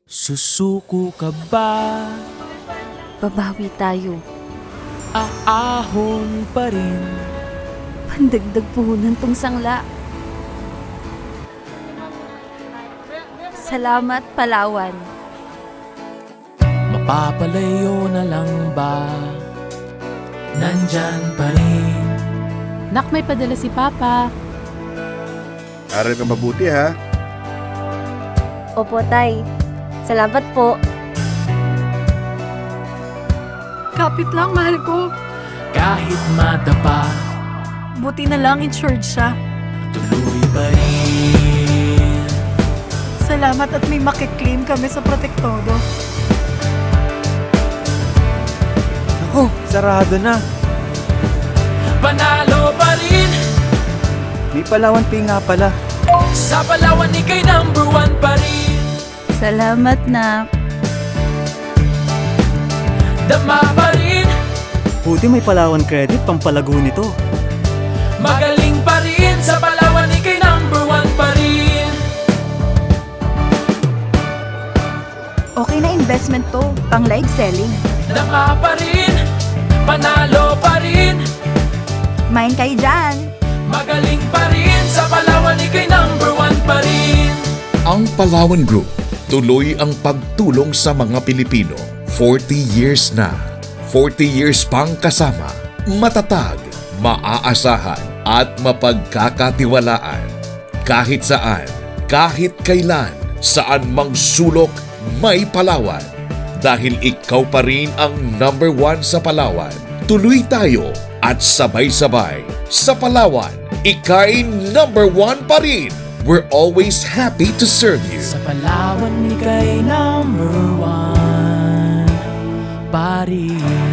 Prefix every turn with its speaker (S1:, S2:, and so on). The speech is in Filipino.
S1: Susuko ka ba?
S2: Babawi tayo.
S1: Aahon pa rin.
S2: Pandagdag puhunan tong sangla. Salamat, Palawan.
S1: Mapapalayo na lang ba? Nandyan pa rin.
S3: Nak, may padala si Papa.
S4: Aral ka mabuti ha.
S5: Opo, Tay. Salamat po.
S3: Kapit lang, mahal ko.
S1: Kahit madapa,
S3: Buti na lang insured siya.
S1: tuloy pa rin.
S3: Salamat at may makiklaim kami sa Protektodo.
S6: Oh, sarado na.
S1: Panalo pa rin.
S6: May Palawan Pay nga pala.
S1: Sa Palawan ika'y #1 pa rin.
S2: Salamat, Nak.
S1: Dama pa rin.
S6: Buti may Palawan Credit pampalago nito.
S1: Magaling pa rin. Sa Palawan ika'y #1 pa rin.
S2: Okay na investment to. Pang live selling.
S1: Dama pa rin. Panalo pa rin.
S2: Main kayo dyan.
S1: Magaling pa rin. Sa Palawan ika'y #1 pa rin.
S7: Ang Palawan Group, tuloy ang pagtulong sa mga Pilipino. 40 years na. 40 years pang kasama. Matatag, maaasahan at mapagkakatiwalaan. Kahit saan, kahit kailan, saan mang sulok, may Palawan. Dahil ikaw pa rin ang #1 sa Palawan. Tuloy tayo at sabay-sabay. Sa Palawan, ika'y #1 pa rin. We're always happy to serve you.
S1: Sa Palawan ika'y #1 pa rin.